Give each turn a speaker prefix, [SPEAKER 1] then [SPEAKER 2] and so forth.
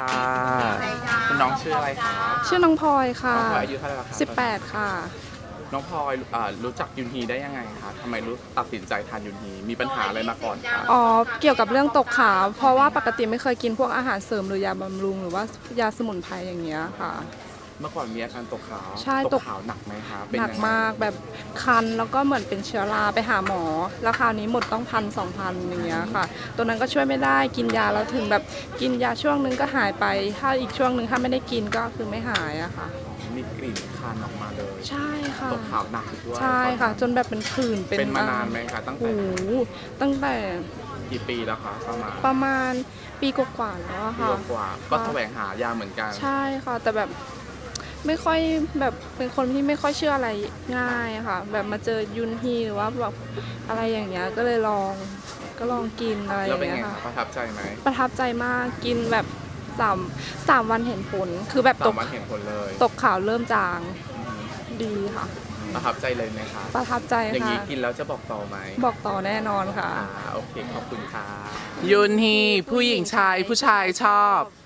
[SPEAKER 1] ค่ะคุณน้องชื่ออะไรคะ
[SPEAKER 2] ชื่อน้องพลอยค่ะ
[SPEAKER 1] น้องพลอยอายุเท่าไหร่แล้วคะ
[SPEAKER 2] 18ค่ะ
[SPEAKER 1] น้องพลอยรู้จักยุนฮีได้ยังไงคะทำไมตัดสินใจทานยุนฮีมีปัญหาอะไรมาก่อนคะ
[SPEAKER 2] อ๋อเกี่ยวกับเรื่องตกขาวเพราะว่าปกติไม่เคยกินพวกอาหารเสริมหรือยาบำรุงหรือว่ายาสมุนไพรอย่างเงี้ยค่ะ
[SPEAKER 1] เมื่อก่อนมีอาการตกขาว
[SPEAKER 2] ใช่
[SPEAKER 1] ตกขาวหนักไหมคะเป็น
[SPEAKER 2] หนัก
[SPEAKER 1] ยังไง
[SPEAKER 2] มากแบบคันแล้วก็เหมือนเป็นเชื้อราไปหาหมอแล้วคราวนี้หมดต้อง1,000-2,000อย่างเงี้ยค่ะตัวนั้นก็ช่วยไม่ได้กินยาแล้วถึงแบบกินยาช่วงนึงก็หายไปถ้าอีกช่วงนึงถ้าไม่ได้กินก็คือไม่หายอะค่ะ
[SPEAKER 1] มีกลิ่นคันออกมาเลย
[SPEAKER 2] ใช่ค่ะ
[SPEAKER 1] ตกขาวหนักด้วย
[SPEAKER 2] ใช่ค่ะจนแบบเป็นผื่น
[SPEAKER 1] เป็นมานานไหมคะตั้งแต่
[SPEAKER 2] โอ้โหตั้งแต่
[SPEAKER 1] กี่ปีแล้วคะ
[SPEAKER 2] ประมาณปีกว่าๆแล้วอะ
[SPEAKER 1] ปี
[SPEAKER 2] ค่ะ
[SPEAKER 1] กว่าก็แสวงหายาเหมือนกัน
[SPEAKER 2] ใช่ค่ะแต่แบบไม่ค่อยแบบเป็นคนที่ไม่ค่อยเชื่ออะไรง่ายอะค่ะแบบมาเจอยุนฮีหรือว่าแบบอะไรอย่างเงี้ยก็เลยลองกินอะไรอ
[SPEAKER 1] แล้ว
[SPEAKER 2] ย่าง
[SPEAKER 1] เป็น
[SPEAKER 2] เงี้
[SPEAKER 1] ไง
[SPEAKER 2] ยค่ะ
[SPEAKER 1] คะประทับใจไหม
[SPEAKER 2] ประทับใจมากกินแบบสามวันเห็นผลคือแบบตก
[SPEAKER 1] 3 วันเห็นผลเลย
[SPEAKER 2] ตกขาวเริ่มจางดีค่ะ
[SPEAKER 1] ประทับใจเลยไหมคะ
[SPEAKER 2] ประทับใจ
[SPEAKER 1] อย่าง
[SPEAKER 2] ค่ะ
[SPEAKER 1] นี้กินแล้วจะบอกต่อไหม
[SPEAKER 2] บอกต่อแน่นอนค่ะ
[SPEAKER 1] โอเคขอบคุณค่ะยุนฮีผู้หญิงชายผู้ชายชอบ